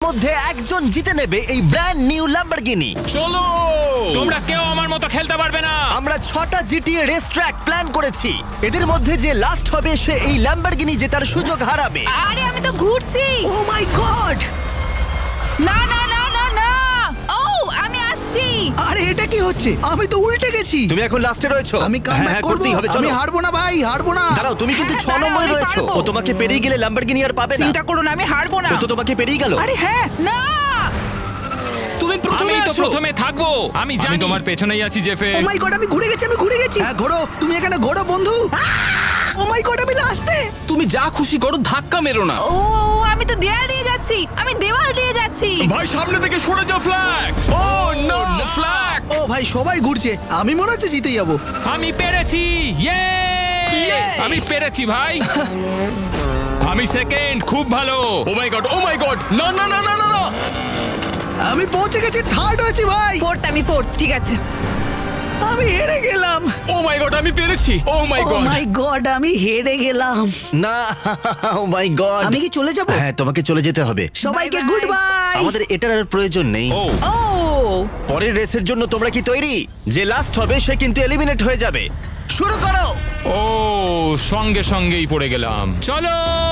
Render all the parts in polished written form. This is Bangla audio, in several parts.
মধ্যে একজন জিতে নেবে এই ব্র্যান্ড নিউ ল্যাম্বরগিনি। চলো, তোমরা কেউ আমার মতো খেলতে পারবে না। আমরা 6টা জিটিএ রেস ট্র্যাক প্ল্যান করেছি। এদের মধ্যে যে লাস্ট হবে সে এই ল্যাম্বরগিনি জেতার সুযোগ হারাবে। আরে আমি তো ঘুরছি। Oh my god! না না না না না, ও আমি আসছি। আরে এটা কি হচ্ছে? আমি তো উল্টে গেছি। তুমি এখন লাস্টে রয়েছো। আমি কামব্যাক করব। করতেই হবে, চলো। আমি হারবো না ভাই, হারবো না। দাঁড়াও, তুমি কিন্তু হ্যাঁ, 6 দাঁড়াও, নম্বরে আমি রয়েছো। পারবো। ও তোমাকে পেরিয়ে গেলে ল্যাম্বরগিনি আর পাবে না। চিন্তা করো না, আমি হারবো না। ও তো তোমাকে পেরিয়ে গেল। আরে হ্যাঁ, না তুমি প্রথমে তো আছো। প্রথমে থাকবো। আমি জানি তোমার পেছনেই আছি জেফে। ও মাই গড, আমি ঘুরে গেছি, আমি ঘুরে গেছি। হ্যাঁ ঘোরো, তুমি এখানে ঘোরো বন্ধু। ও মাই গড, আমি লাস্টে। তুমি যা খুশি করো, ধাক্কা মেরো না। ও আমি তো দেয়াল দিয়ে যাচ্ছি, আমি দেওয়াল দিয়ে যাচ্ছি। ভাই সামনে থেকে সরে যাও, ফ্ল্যাগ। Oh no, flag. ও ভাই সবাই ঘুরছে, আমি মনে হচ্ছে জিতে যাবো। আমি পেরেছি, ইয়ে! আমি পেরেছি ভাই। আমি সেকেন্ড, খুব ভালো। ও my god, oh my god, না না না না না না। আমি পৌঁছে গেছি, থার্ড হয়েছি ভাই। ফোর্থ, আমি ফোর্থ, ঠিক আছে। আমি হেরে গেলাম। ও মাই গড, আমি পেরেছি। ও মাই ও গড। মাই গড, আমি হেরে গেলাম। না, ও মাই গড! আমি কি চলে যাব? হ্যাঁ, তোমাকে চলে যেতে হবে। সবাইকে Bye bye. Good bye. আমাদের এটার আর প্রয়োজন নেই। ও ও পরের রেসের জন্য তোমরা কি তৈরি? যে লাস্ট হবে সে কিন্তু এলিমিনেট হয়ে যাবে। শুরু করো। ও সঙ্গে সঙ্গেই পড়ে গেলাম। চলো।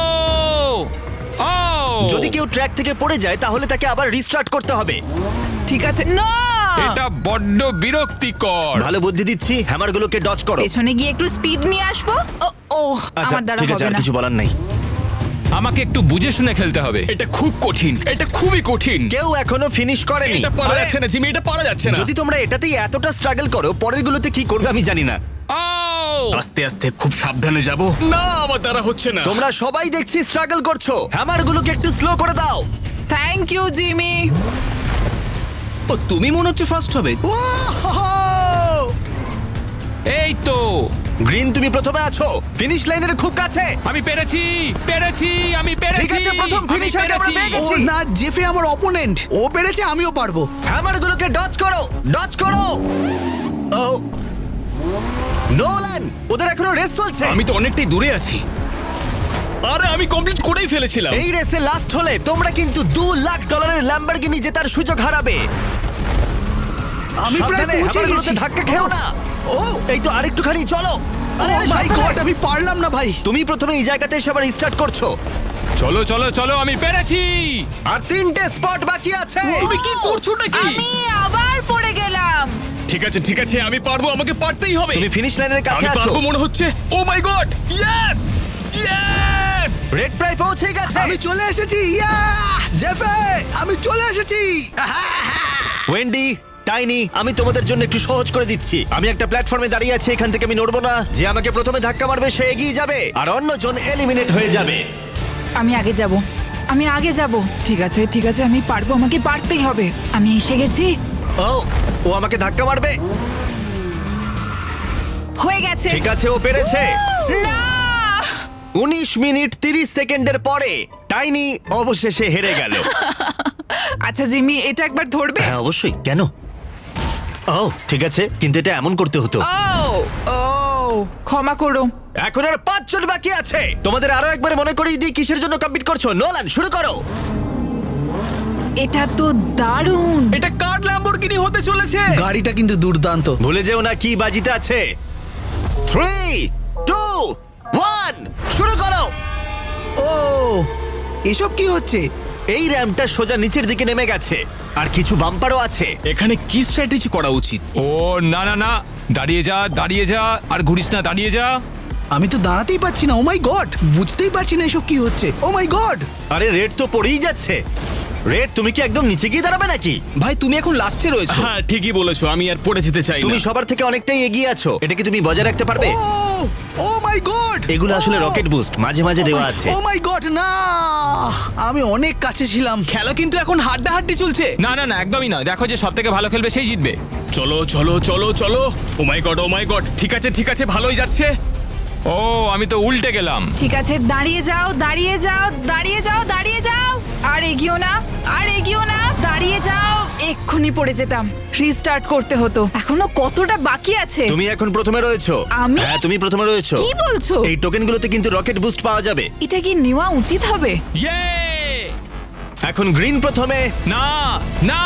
ও যদি কেউ ট্র্যাক থেকে পড়ে যায় তাহলে তাকে আবার রিস্টার্ট করতে হবে। ঠিক আছে। না এটা বড্ড বিরক্তিকর। ভালো বুদ্ধি দিচ্ছি, হ্যামারগুলোকে ডজ করো। পেছনে গিয়ে একটু স্পিড নিয়ে আসবো। ও ও আচ্ছা, আমার দ্বারা ঠিক আছে, হবে আর না। কিছু বলার নেই। আমাকে একটু বুঝে শুনে খেলতে হবে। এটা খুব কঠিন, এটা খুবই কঠিন। কেউ এখনো ফিনিশ করেনি। এটা পারা আরে, যাচ্ছে না জিমি, এটা পারা যাচ্ছে না। যদি তোমরা এটাতেই এতটা স্ট্রাগল করো, পরের গুলোতে কি করবে আমি জানি না। ও আস্তে আস্তে খুব সাবধানে যাব। না, আমার দ্বারা হচ্ছে না। তোমরা সবাই দেখছি স্ট্রাগল করছো। হ্যামারগুলোকে একটু স্লো করে দাও। Thank you Jimmy. ও, তুমি মনে হচ্ছে ফার্স্ট হবে। ও হো হো। এই তো গ্রিন, তুমি প্রথমে আছো, ফিনিশ লাইনের খুব কাছে। আমি পেরেছি, পেরেছি, আমি পেরেছি। ঠিক আছে, প্রথম আমি finisher-কে আমরা পেরেছি। পেয়ে গেছি। ও না, জেফে আমার অপোনেন্ট। ও পেরেছে, আমিও পারবো। হ্যামারগুলোকে ডজ করো, ডজ করো। ও নোলান, ওদের এখনো রেস চলছে। আমি তো অনেকটাই দূরে আছি। আরে আমি কমপ্লিট করেই ফেলেছিলাম। এই রেসে লাস্ট হলে তোমরা কিন্তু $2 লাখ ল্যাম্বরগিনি জেতার সুযোগ হারাবে। আমি প্রায় সাবধানে, পৌঁছে হ্যামারগুলোতে গেছি। ধাক্কা খেও না। ও এই তো আরেকটুখানি চলো। আরে, ও আরে, মাই সাবধানে। গড, আমি পারলাম না ভাই। তুমি প্রথমে এই জায়গাতে এসে আবার স্টার্ট করছো। চলো চলো চলো, আমি পেরেছি। আর 3টে স্পট বাকি আছে। তুমি কি করছো নাকি? আমি আবার পড়ে গেলাম। ঠিক আছে ঠিক আছে, আমি পারবো, আমাকে পারতেই হবে। তুমি ফিনিশ লাইনের কাছে আমি আছো। পারবো মনে হচ্ছে। Oh my god, yes yes. Red প্রায় পৌঁছে গেছে। আমি চলে এসেছি। ইয়া জেফে, আমি চলে এসেছি। ওয়েন্ডি, টাইনি, আমি তোমাদের জন্য একটু সহজ করে দিচ্ছি। আমি একটা প্ল্যাটফর্মে দাঁড়িয়ে আছি, এখান থেকে আমি নড়বো না। যে আমাকে প্রথমে ধাক্কা মারবে সে এগিয়ে যাবে, আর অন্যজন এলিমিনেট হয়ে যাবে। আমি আগে যাব, আমি আগে যাব। ঠিক আছে ঠিক আছে, আমি পারবো, আমাকে পারতেই হবে। আমি এসে গেছি। ও, ও আমাকে ধাক্কা মারবে। হয়ে গেছে। ঠিক আছে, ও পেরেছে। না 19 মিনিট 30 সেকেন্ডের পরে টাইনি অবশেষে হেরে গেল। আচ্ছা জিমি, এটা একবার ধরবে? হ্যাঁ অবশ্যই, কেন? ও ঠিক আছে, কিন্তু এটা এমন করতে হতো। ও ও ক্ষমা করো। এখন আর 5 জন বাকি আছে। তোমাদের আরো একবার মনে করিয়ে দিই কিসের জন্য কম্পিট করছো। নোলান, শুরু করো। এটা তো দারুণ। এটা কার ল্যাম্বরগিনি হতে চলেছে? গাড়িটা কিন্তু দুর্দান্ত। ভুলে যেও না কি বাজিতে আছে। 3 2 1 শুরু করো। ও এসব কি হচ্ছে? এই র্যাম্পটা সোজা নিচের দিকে নেমে গেছে, আর কিছু বাম্পারও আছে। এখানে কি স্ট্র্যাটেজি করা উচিত? ও না না না, দাঁড়িয়ে যা, দাঁড়িয়ে যা, আর ঘুরিস না, দাঁড়িয়ে যা। আমি তো দাঁড়াতেই পারছি না। ও মাই গড, বুঝতেই পারছি না এসব কি হচ্ছে। Oh my god. আরে রেড তো পড়েই যাচ্ছে। রেড, তুমি কি একদম নিচে গিয়ে দাঁড়াবে নাকি? ভাই তুমি এখন লাস্টে রয়েছো। হ্যাঁ ঠিকই বলেছো, আমি আর পড়ে যেতে চাই তুমি না। সবার থেকে অনেকটাই এগিয়ে আছো। এটা কি তুমি বজায় রাখতে পারবে? ও মাই গড, এগুলো আসলে রকেট বুস্ট, মাঝে মাঝে দেওয়া আছে। ও মাই গড, না আমি অনেক কাছে ছিলাম। খেলা কিন্তু এখন হাড্ডাহাড্ডি চলছে। না না না, একদমই না। দেখো যে সব থেকে ভালো খেলবে সেই জিতবে। চলো চলো চলো চলো। Oh my god, oh my god. ঠিক আছে, ভালোই যাচ্ছে। ও আমি তো উল্টে গেলাম। ঠিক আছে, দাঁড়িয়ে যাও, দাঁড়িয়ে যাও, দাঁড়িয়ে যাও, দাঁড়িয়ে যাও। আর এগিও না, আর এগিও না, দাঁড়িয়ে যাও। এক্ষুনি পড়ে যেতাম, রিস্টার্ট করতে হতো। এখনো কতটা বাকি আছে? তুমি এখন প্রথমে রয়েছো। আমি? হ্যাঁ, তুমি প্রথমে রয়েছো। কি বলছো? এই টোকেনগুলোতে কিন্তু রকেট বুস্ট পাওয়া যাবে। এটা কি নেওয়া উচিত হবে? ইয়ে! এখন গ্রিন প্রথমে। না না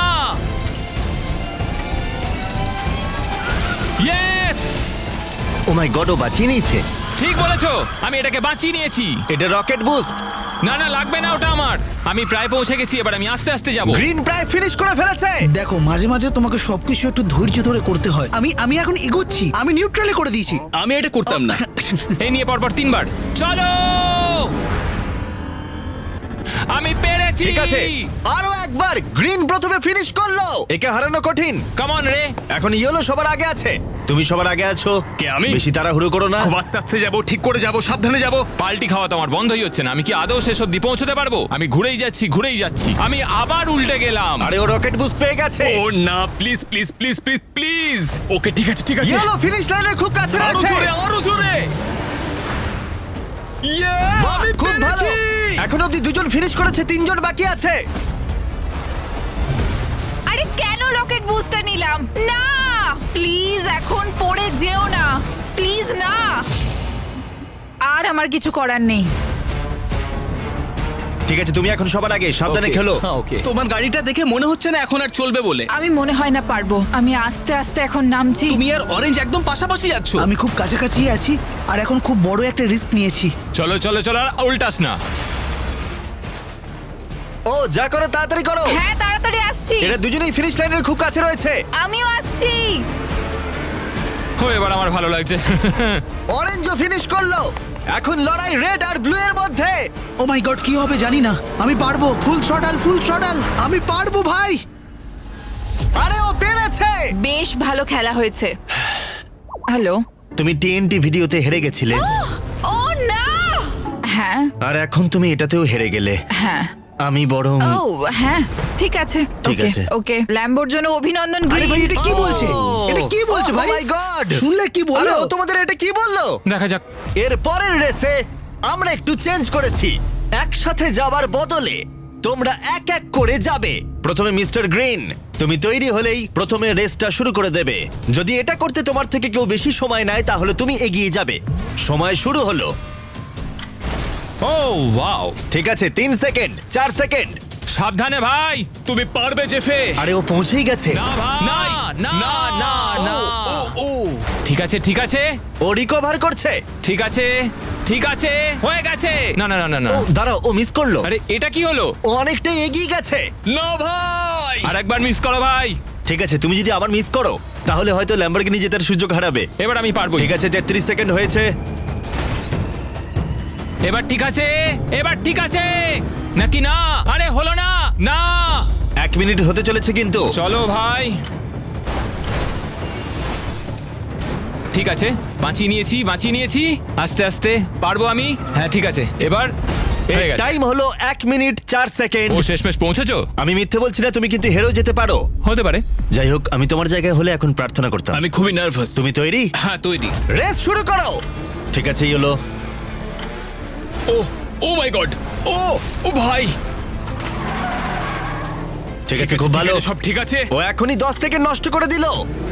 ইয়েস ও মাই গড, ও বাঁচিয়ে নিয়েছে। ঠিক বলেছো, আমি এটাকে বাঁচিয়ে নিয়েছি। এটা রকেট বুস্ট। না না লাগবে না ওটা আমার, আমি প্রায় পৌঁছে গেছি, এবার আমি আস্তে আস্তে যাব। গ্রিন প্রায় ফিনিশ করে ফেলেছে। দেখো মাঝে মাঝে তোমাকে সবকিছু একটু ধৈর্য ধরে করতে হয়। আমি এখন এগোচ্ছি, আমি নিউট্রালে করে দিয়েছি। আমি এটা করতাম না। এই নিয়ে পরপর 3 বার চলো। আমি পেরেছি। ঠিক আছে, আরো একবার। গ্রিন প্রথমে ফিনিশ করলো। একে হারানো কঠিন। কাম অন রে। এখন ইয়েলো সবার আগে আছে। তুমি সবার আগে আছো। কে, আমি? বেশি তাড়াহুড়ো করো না। খুব আস্তে আস্তে যাবো, ঠিক করে যাবো, সাবধানে যাবো। পাল্টি খাওয়া তো আমার বন্ধই হচ্ছে না। আমি কি আদৌ শেষ অব্দি পৌঁছতে পারবো? আমি ঘুরেই যাচ্ছি। আমি আবার উল্টে গেলাম। আরে ও রকেট বুস্ট পেয়ে গেছে। ও না, please please please please please. Okay ঠিক আছে ঠিক আছে। ইয়েলো ফিনিশ লাইনের খুব কাছে আরো আছে। জোরে আরো জোরে। বাহ, আমি খুব ভালো। পেরেছি! এখন অব্দি 2 জন ফিনিশ করেছে, 3 জন বাকি আছে। আরে কেন রকেট বুস্টার নিলাম? না প্লিজ এখন পড়ে যেও না, প্লিজ না। আর আমার কিছু করার নেই। ঠিক আছে, তুমি এখন সবার আগে, সাবধানে খেলো। তোমার গাড়িটা দেখে মনে হচ্ছে না এখন আর চলবে বলে। আমি মনে হয় না পারবো। আমি আস্তে আস্তে এখন নামছি। তুমি আর অরেঞ্জ একদম পাশাপাশি যাচ্ছ। আমি খুব কাছাকাছি আছি আর এখন খুব বড় একটা রিস্ক নিয়েছি। চলো আর উল্টাস না। ও যা করো তাড়াতাড়ি করো। হ্যাঁ তাড়াতাড়ি আসছি। এরা দুজনেই ফিনিশ লাইনের খুব কাছে রয়েছে। আমিও আসছি। ও এবার আমার ভালো লাগছে। অরেঞ্জও ফিনিশ করলো। এখন লড়াই রেড আর ব্লু এর মধ্যে। ও মাই গড, কি হবে জানি না। আমি পারবো। Full throttle. আমি পারবো ভাই। আরে ও পেরেছে। বেশ ভালো খেলা হয়েছে। হ্যালো। তুমি টিএনটি ভিডিওতে হেরে গেছিলে, ও না। হ্যাঁ আর এখন তুমি এটাতেও হেরে গেলে। হ্যাঁ। আমি বরং ও হ্যাঁ ঠিক আছে। ঠিক ওকে, আছে। ওকে ল্যাম্বোর জন্য অভিনন্দন আরে ভাই, গ্রিন। এটা কি বলছে? এটা কি বলছে ভাই? ও মাই গড, শুনলে কি বললো? ও তোমাদের এটা কি বললো? দেখা যাক। এর পরের রেসে আমরা একটু চেঞ্জ করেছি। একসাথে যাওয়ার বদলে তোমরা এক এক করে যাবে। প্রথমে মিস্টার গ্রিন, তুমি তৈরি হলেই প্রথমে রেসটা শুরু করে দেবে। যদি এটা করতে তোমার থেকে কেউ বেশি সময় নেয় তাহলে তুমি এগিয়ে যাবে। সময় শুরু হলো। ও ওয়াও, ঠিক আছে, 3 সেকেন্ড, 4 সেকেন্ড। সাবধানে ভাই। তুমি পারবে জেফে। আরে ও পৌঁছেই গেছে। না ভাই, না না না। ঠিক আছে ও রিকভার করছে। ঠিক আছে হয়ে গেছে। না না না না না। ও দাঁড়াও, ও মিস করলো। আরে এটা কি হলো? ও অনেকটাই এগিয়ে গেছে। না ভাই। আর একবার মিস করো ভাই। ঠিক আছে, তুমি যদি আবার মিস করো তাহলে হয়তো ল্যাম্বরগিনি জেতার সুযোগ হারাবে। এবার আমি পারবো। ঠিক আছে, 33 সেকেন্ড হয়েছে। এবার ঠিক আছে নাকি না? আরে হলো না। না 1 মিনিট হতে চলেছে কিন্তু। চলো ভাই। ঠিক আছে, বাঁচিয়ে নিয়েছি। আস্তে আস্তে পারবো আমি। হ্যাঁ ঠিক আছে, এবার হয়ে গেছে। টাইম হলো 1 মিনিট 4 সেকেন্ড। ও শেষমেশ পৌঁছেছো? আমি মিথ্যে বলছি না, তুমি কিন্তু হেরেও যেতে পারো। হতে পারে। যাই হোক, আমি তোমার জায়গায় হলে এখন প্রার্থনা করতাম। আমি খুবই নার্ভাস। তুমি তৈরি? হ্যাঁ তৈরি। রেস শুরু করো। ঠিক আছে, এই হলো। ও মাই গড। ও ভাই। ঠিক আছে, খুব ভালো। সব ঠিক আছে। ও এখনই 10 সেকেন্ড নষ্ট করে দিল।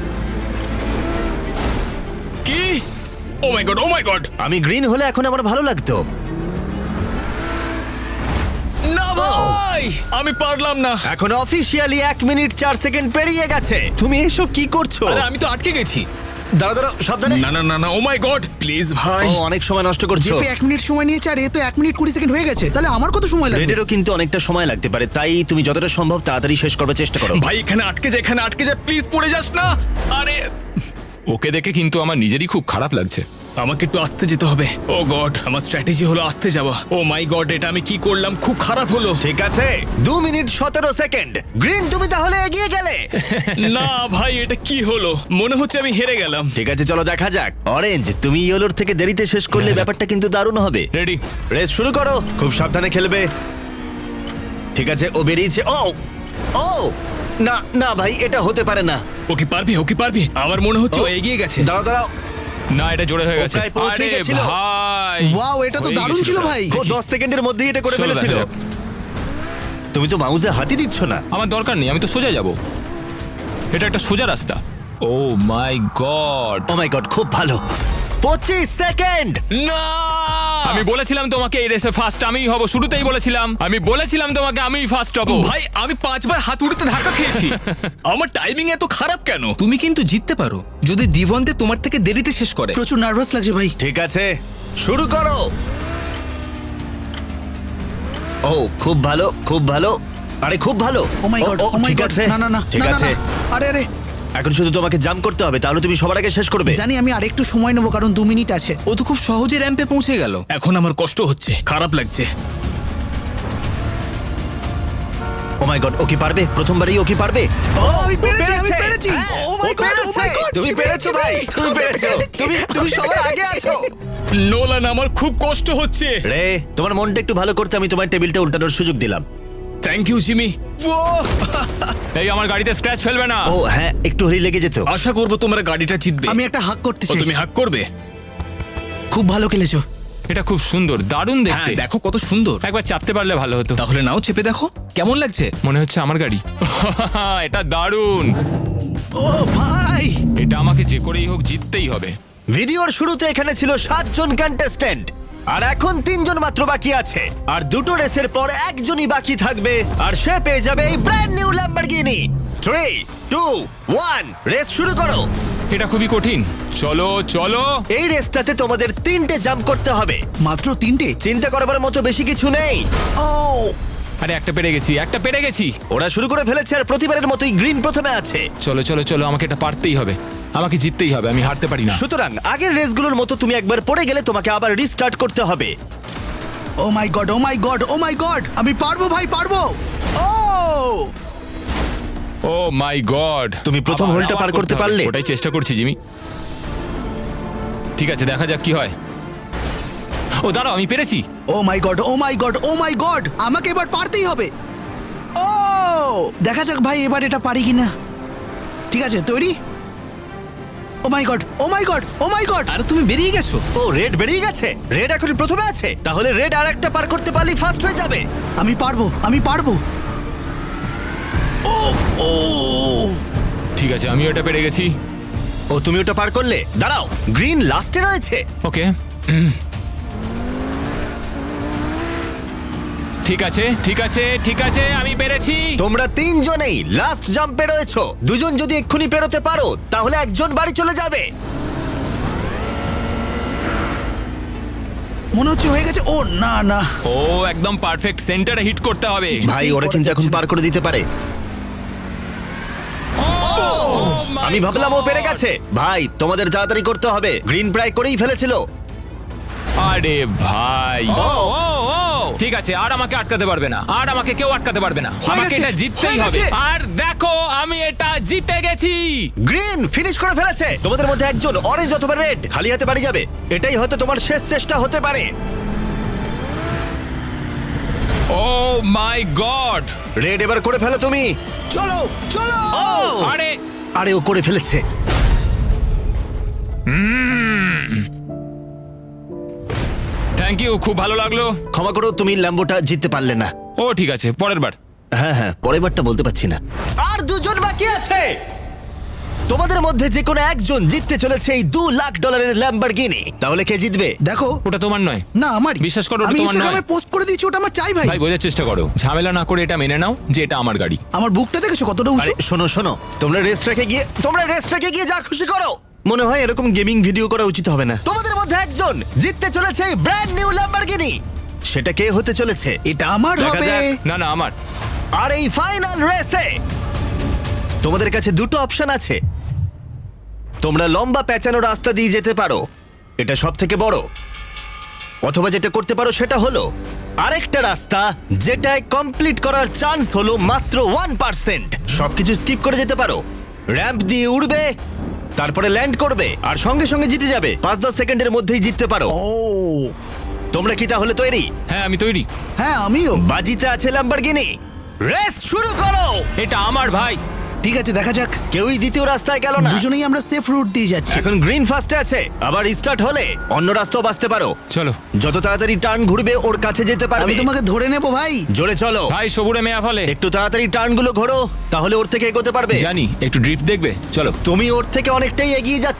কি? Oh my god. আমি গ্রিন হলে এখন আমার ভালো লাগতো। না ভাই, আমি পারলাম না। এখন অফিসিয়ালি 1 মিনিট 4 সেকেন্ড পেরিয়ে গেছে। তুমি এসব কি করছো? আরে আমি তো আটকে গেছি। দাঁড়াও, সাবধানে। না ও মাই গড, প্লিজ ভাই। ও অনেক সময় নষ্ট করছো। জেফে 1 মিনিট সময় নিয়েছে আর এ তো 1 মিনিট 20 সেকেন্ড হয়ে গেছে। তাহলে আমার কত সময় লাগবে? রেডেরও কিন্তু অনেকটা সময় লাগতে পারে, তাই তুমি যতটা সম্ভব তাড়াতাড়ি শেষ করবার চেষ্টা করো। ভাই এখানে আটকে যা, প্লিজ পড়ে যাস না। আরে ওকে দেখে কিন্তু আমার নিজেরই খুব খারাপ লাগছে। আমাকে একটু আস্তে যেতে হবে। ও গড, আমার স্ট্র্যাটেজি হলো আস্তে যাওয়া। ও মাই গড, এটা আমি কি করলাম? খুব খারাপ হলো। ঠিক আছে, 2 মিনিট 17 সেকেন্ড। গ্রিন, তুমি তাহলে এগিয়ে গেলে। না ভাই, এটা কি হলো? মনে হচ্ছে আমি হেরে গেলাম। ঠিক আছে, চলো দেখা যাক। অরেঞ্জ, তুমি ইয়েলোর থেকে দেরিতে শেষ করলে ব্যাপারটা কিন্তু দারুণ হবে। রেডি? রেস শুরু করো। খুব সাবধানে খেলবে। ঠিক আছে, ও বেরিয়েছে। ও না না ভাই, এটা হতে পারে না। ও কি পারবি? আমার মনে হচ্ছে ও এগিয়ে গেছে। দাঁড়াও। না, এটা জোরে হয়ে গেছে। প্রায় পৌঁছে আরে গেছিল। ভাই, ওয়াও, এটা তো হয়ে দারুণ গেছিল ছিল এটা। ভাই। ও 10 সেকেন্ডের মধ্যেই এটা করে চলো ফেলেছিল। দেখা যাক। তুমি তো মাউসে হাতই দিচ্ছ না। আমার দরকার নেই, আমি তো সোজা যাব। এটা একটা সোজা রাস্তা। ও my god. Oh my god, খুব ভালো। 25 সেকেন্ড। না আমি বলেছিলাম তোমাকে এই রেসে ফার্স্ট আমিই হব, শুরুতেই বলেছিলাম। আমি বলেছিলাম তোমাকে আমিই ফার্স্ট হব। ভাই আমি 5 বার হাত উড়তে ধাক্কা খেয়েছি। আমার টাইমিং এত খারাপ কেন? তুমি কিন্তু জিততে পারো যদি দিবন্তে তোমার থেকে দেরিতে শেষ করে। প্রচুর নার্ভাস লাগছে ভাই। ঠিক আছে, শুরু করো। ও খুব ভালো, খুব ভালো। আরে খুব ভালো। ও মাই গড, ও মাই ঠিক গড, আছে, না না না, ঠিক না, না, আছে। না। আরে আরে এখন শুধু তোমাকে জাম্প করতে হবে, তাহলে তুমি সবার আগে শেষ করবে। জানি, আমি আরেকটু সময় নেবো কারণ 2 মিনিট আছে। ও তো খুব সহজে র্যাম্পে পৌঁছে গেল। এখন আমার কষ্ট হচ্ছে, খারাপ লাগছে। ও মাই গড, ও কি পারবে? প্রথমবারই ও কি পারবে? ও আমি ও পেরেছি, আমি পেরেছে। পেরেছি। হ্যাঁ, ও মাই ও গড, ও পেরেছে। মাই গড, তুমি পেরেছো ভাই, তুমি পেরেছো। তুমি সবার আগে আছো। নোলান আমার খুব কষ্ট হচ্ছে। রে, তোমার মনটা একটু ভালো করতে আমি তোমার টেবিলটা উল্টানোর সুযোগ দিলাম। Thank you Jimmy. এই আমার গাড়িতে স্ক্র্যাচ ফেলবে না। ও হ্যাঁ, একটু হলেই লেগে যেত। আশা করবো তোমরা গাড়িটা জিতবে। আমি একটা হাক করতে ও চাই। তুমি হাক করবে? খুব ভালো খেলেছো। এটা খুব সুন্দর, দারুণ হ্যাঁ দেখতে। দেখো কত সুন্দর। একবার চাপতে পারলে ভালো হতো। তাহলে নাও চেপে দেখো কেমন লাগছে। মনে হচ্ছে আমার গাড়ি। এটা দারুণ। ও ভাই, এটা আমাকে যে করেই হোক জিততেই হবে। ভিডিওর শুরুতে এখানে ছিল 7 জন কন্টেস্ট্যান্ট, আর এখন 3 জন মাত্র বাকি আছে। আর দুটো রেসের পর একজনই বাকি থাকবে, আর সে পেয়ে যাবে এই ব্র্যান্ড নিউ ল্যাম্বরগিনি। 3, 2, 1, রেস শুরু করো। এটা খুবই কঠিন। চলো চলো। এই রেসটাতে তোমাদের 3টে জাম্প করতে হবে। মাত্র 3টে? চিন্তা করবার মতো বেশি কিছু নেই। ও আরে একটা পেরে গেছি, একটা পেরে গেছি। ওরা শুরু করে ফেলেছে, আর প্রতিবারের মতোই গ্রিন প্রথমে আছে। চলো চলো চলো, আমাকে এটা পারতেই হবে, আমাকে জিততেই হবে, আমি হারতে পারি না। সুতরাং আগের রেসগুলোর মতো তুমি একবার পড়ে গেলে তোমাকে আবার রিস্টার্ট করতে হবে। Oh my god, oh my god, oh my god, আমি পারবো ভাই, পারবো। ও ও মাই গড, তুমি প্রথম হোলটা পার করতে পারলে? ওটাই চেষ্টা করছি জিমি। ঠিক আছে, দেখা যাক কি হয়। ও দাঁড়াও, আমি পেরেছি। Oh my god, oh my god, oh my god, আমাকে এবার পারতেই হবে। ও দেখা যাক ভাই এবার এটা পারি কিনা। ঠিক আছে, তৈরি? Oh my god, oh my god, oh my god. আর তুমি বেরিয়ে গেছো। ও রেড বেরিয়ে গেছে। রেড এখন প্রথমে আছে, তাহলে রেড আর একটা পার করতে পারলেই ফার্স্ট হয়ে যাবে। আমি পারবো, আমি পারবো। ও ও ঠিক আছে, আমি ওটা পেরে গেছি। ও তুমি ওটা পার করলে। দাঁড়াও, গ্রিন লাস্টে রয়েছে। ওকে, ঠিক আছে ঠিক আছে ঠিক আছে, আমি পেরেছি। তোমরা 3 জনেই লাস্ট জাম্পে রয়েছো। 2 জন যদি এক্ষুনি পেরোতে পারো তাহলে একজন বাড়ি চলে যাবে। মনে হচ্ছে হয়ে গেছে। ও না না, ও একদম পারফেক্ট সেন্টারে হিট করতে হবে। ভাই ওরা কিন্তু এখন পার করে দিতে পারে। আমি ভাবলাম ও পেরে গেছে। ভাই তোমাদের তাড়াতাড়ি করতে হবে, গ্রিন প্রায় করেই ফেলেছিল। আরে ভাই, ও ও ও ঠিক আছে, আর আমাকে আটকাতে পারবে না, আর আমাকে কেউ আটকাতে পারবে না। আমাকে গেছে, এটা জিততেই হয়ে হবে। গেছে। আর দেখো, আমি এটা জিতে গেছি। গ্রিন ফিনিশ করে ফেলেছে। তোমাদের মধ্যে একজন অরেঞ্জ অথবা রেড খালি হাতে বাড়ি যাবে। এটাই হয়তো তোমার শেষ চেষ্টা হতে পারে। ও মাই গড, রেড এবার করে ফেলো তুমি। চলো চলো। আরে আরে ও করে ফেলেছে। থ্যাংক ইউ, খুব ভালো লাগলো। ক্ষমা করো, তুমি ল্যাম্বোটা জিততে পারলে না। ও ঠিক আছে, পরের বার। হ্যাঁ হ্যাঁ, পরের বারটা বলতে পারছি না। আর 2 জন বাকি আছে। তোমাদের মধ্যে যে কোনো একজন জিততে চলেছে এই $2 লাখ ল্যাম্বরগিনি। তাহলে কে জিতবে? দেখো, ওটা তোমার নয়। না আমারই। বিশ্বাস করো, ওটা আমি তোমার ইনস্টাগ্রামে নয়। পোস্ট করে দিয়েছি, ওটা আমার চাই ভাই। ভাই বোঝার চেষ্টা করো, ঝামেলা না করে এটা মেনে নাও যে এটা আমার গাড়ি। আমার বুকটা দেখেছো কতটা উঁচু? আরে শোনো শোনো, তোমরা রেস ট্র্যাকে গিয়ে যা খুশি করো। মনে হয় এরকম গেমিং ভিডিও করা উচিত হবে না। তোমাদের মধ্যে একজন জিততে চলেছে এই ব্র্যান্ড নিউ ল্যাম্বরগিনি। সেটা কে হতে চলেছে? এটা আমার দেখা হবে। যাক। না না, আমার। আর এই ফাইনাল রেসে তোমাদের কাছে 2টো অপশন আছে। তোমরা লম্বা পেঁচানো রাস্তা দিয়ে যেতে পারো, এটা সব থেকে বড়। অথবা যেটা করতে পারো সেটা হলো আরেকটা রাস্তা, যেটায় কমপ্লিট করার চান্স হলো মাত্র 1%। সবকিছু স্কিপ করে যেতে পারো, র্যাম্প দিয়ে উড়বে, তারপরে ল্যান্ড করবে, আর সঙ্গে সঙ্গে জিতে যাবে। 5-10 সেকেন্ডের মধ্যেই জিততে পারো। ও তোমরা কি তাহলে তৈরি? হ্যাঁ, আমি তৈরি। হ্যাঁ আমিও। বাজিতে আছে ল্যাম্বরগিনি। রেস শুরু করো। এটা আমার ভাই। ঠিক আছে, দেখা যাক। কেউই দ্বিতীয় রাস্তায় গেল না। দুজনেই আমরা সেফ রুট দিয়ে যাচ্ছি। এখন গ্রিন ফার্স্টে আছে, আবার স্টার্ট হলে অন্য রাস্তাও বাঁচতে পারো। চলো যত তাড়াতাড়ি টার্ন ঘুরবে ওর কাছে যেতে আমি পারবে। তোমাকে ধরে নেবো ভাই। জোরে চলো ভাই, সবুরে মেয়া ফলে। একটু তাড়াতাড়ি টার্নগুলো ঘোরো, তাহলে ওর থেকে এগোতে পারবে। জানি, একটু ড্রিফট দেখবে? চলো। তুমি ওর থেকে অনেকটাই এগিয়ে যাচ্ছ।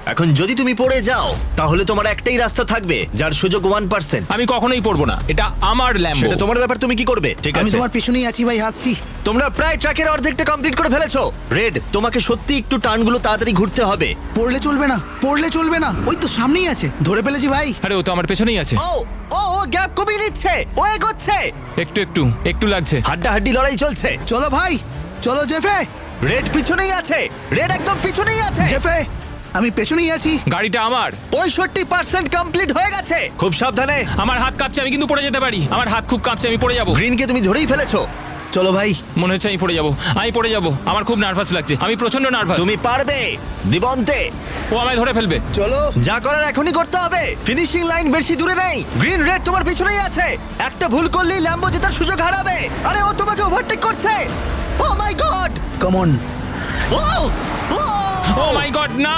এখন যদি তুমি পড়ে যাও তাহলে তোমার একটাই রাস্তা থাকবে যার সুযোগ 1%। আমি কখনোই পড়বো না, এটা আমার ল্যাম্বো। সেটা তোমার ব্যাপার, তুমি কি করবে? ঠিক আমি আছে, তোমার পেছনেই আছি ভাই, হাসছি। তোমরা প্রায় ট্র্যাকের অর্ধেকটা কমপ্লিট করে ফেলেছো। রেড, তোমাকে সত্যি একটু টার্নগুলো তাড়াতাড়ি ঘুরতে হবে। পড়লে চলবে না, পড়লে চলবে না, ওই তো সামনেই আছে, ধরে ফেলেছি ভাই। আরে ও তো আমার পেছনেই আছে। ও ও ও গ্যাপ কমিয়ে নিচ্ছে, ও এগোচ্ছে। একটু একটু একটু লাগছে। হাড্ডাহাড্ডি লড়াই চলছে। চলো ভাই, চলো জেফে। রেড পিছনেই আছে, রেড একদম পিছনেই আছে। জেফে, আমি পেছনেই আছি। গাড়িটা আমার। 65% কমপ্লিট হয়ে গেছে। খুব সাবধানে। আমার হাত কাঁপছে, আমি কিন্তু পড়ে যেতে পারি। আমার হাত খুব কাঁপছে, আমি পড়ে যাবো। গ্রিনকে তুমি ধরেই ফেলেছো। চলো ভাই। মনে হচ্ছে আমি পড়ে যাবো, আমি পড়ে যাবো। আমার খুব নার্ভাস লাগছে, আমি প্রচন্ড নার্ভাস। তুমি পারবে দিবন্তে। ও আমায় ধরে ফেলবে। চলো। যা করার এখনই করতে হবে। ফিনিশিং লাইন বেশি দূরে নেই। গ্রিন রেড তোমার পিছনেই আছে। একটা ভুল করলেই ল্যাম্বো জেতার সুযোগ হারাবে। আরে ও তোমাকে ওভারটেক করছে। Oh my god. Come on. Oh oh my god, না।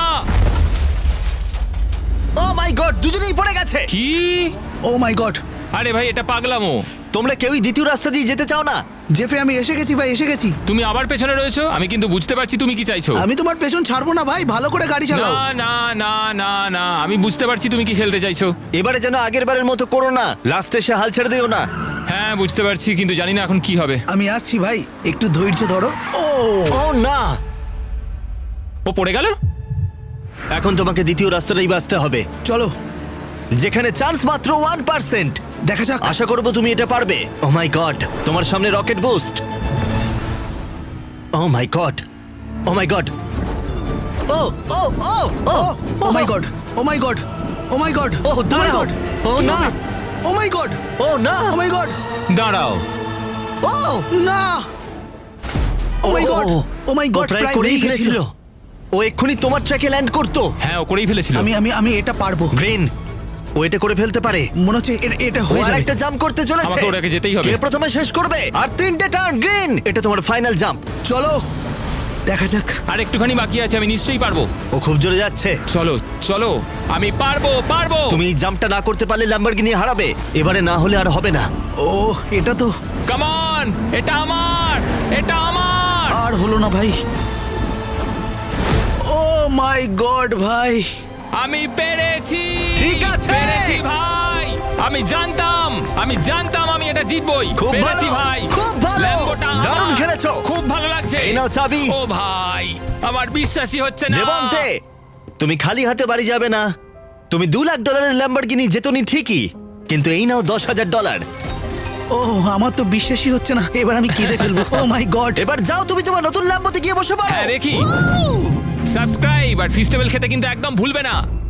ও মাই গড, দুজনেই পড়ে গেছে। কি? Oh my god. আরে ভাই, এটা পাগলামো। তোমরা কেউই দ্বিতীয় রাস্তা দিয়ে যেতে চাও না? জেফে, আমি এসে গেছি ভাই, এসে গেছি। তুমি আবার পেছনে রয়েছো, আমি কিন্তু বুঝতে পারছি তুমি কি চাইছো। আমি তোমার পেছন ছাড়বো না ভাই, ভালো করে গাড়ি না চালাও। না না না না, আমি বুঝতে পারছি তুমি কি খেলতে চাইছো। এবারে যেন আগের বারের মতো করো না। লাস্টে সে হাল ছেড়ে দিও না। হ্যাঁ বুঝতে পারছি, কিন্তু জানি না এখন কি হবে। আমি আসছি ভাই, একটু ধৈর্য ধরো। ও ও না, ও পড়ে গেল। এখন তোমাকে দ্বিতীয় রাস্তাটাই বাঁচতে হবে, চলো, যেখানে চান্স মাত্র 1%। দেখা যাক। আশা করবো তুমি এটা পারবে। ও মাই গড, তোমার সামনে rocket boost. Oh my god, oh my god, oh oh oh oh oh my god, oh my god, oh my god, ও দাঁড়াও। ও না, ও মাই গড, ও না, ও মাই গড, দাঁড়াও। ও না, oh my god, oh my O god, প্রায় প্রায় করেই হয়ে ফেলেছিল। গেছিল। ও এক্ষুনি তোমার ট্র্যাকে ল্যান্ড করতো। হ্যাঁ ও করেই ফেলেছিল। আমি এটা পারবো। গ্রিন, ও এটা করে ফেলতে পারে। মনে হচ্ছে এটা ও হয়ে যাবে। আরেকটা জাম্প করতে চলেছে। আমাকে ওটাকে যেতেই হবে। কে প্রথমে শেষ করবে? আর 3টে টার্ন। গ্রিন, এটা তোমার ফাইনাল জাম্প। চলো, দেখা যাক। আর একটুখানি বাকি আছে, আমি নিশ্চয়ই পারবো। ও খুব জোরে যাচ্ছে। চলো চলো, আমি পারবো পারবো। তুমি এই জাম্পটা না করতে পারলে ল্যাম্বরগিনি হারাবে। এবারে না হলে আর হবে না। ও, এটা তো কাম অন, এটা আমার, এটা আমার। আর হলো না ভাই। ও মাই গড ভাই। আমি পেরেছি। ঠিক আছে। পেরেছি ভাই। আমি জানতাম আমি এটা জিতবই। খুব পেরেছি ভালো, ভাই। খুব ভালো। ল্যাম্বোটা আমার। দারুণ খেলেছো। খুব ভালো লাগছে। এই নাও চাবি। ও ভাই, আমার বিশ্বাসই হচ্ছে না। দেবন্তে, তুমি খালি হাতে বাড়ি যাবে না। তুমি $2 লাখ ল্যাম্বরগিনি জেতনি ঠিকই, কিন্তু এই নাও $10,000। ও, আমার তো বিশ্বাসই হচ্ছে না, এবার আমি কেঁদে ফেলবো। Oh my god. এবার যাও, তুমি তোমার নতুন ল্যাম্বোতে গিয়ে বসে পড়ো। হ্যাঁ দেখি। সাবস্ক্রাইব আর ফিস্টেবল খেতে কিন্তু একদম ভুলবে না।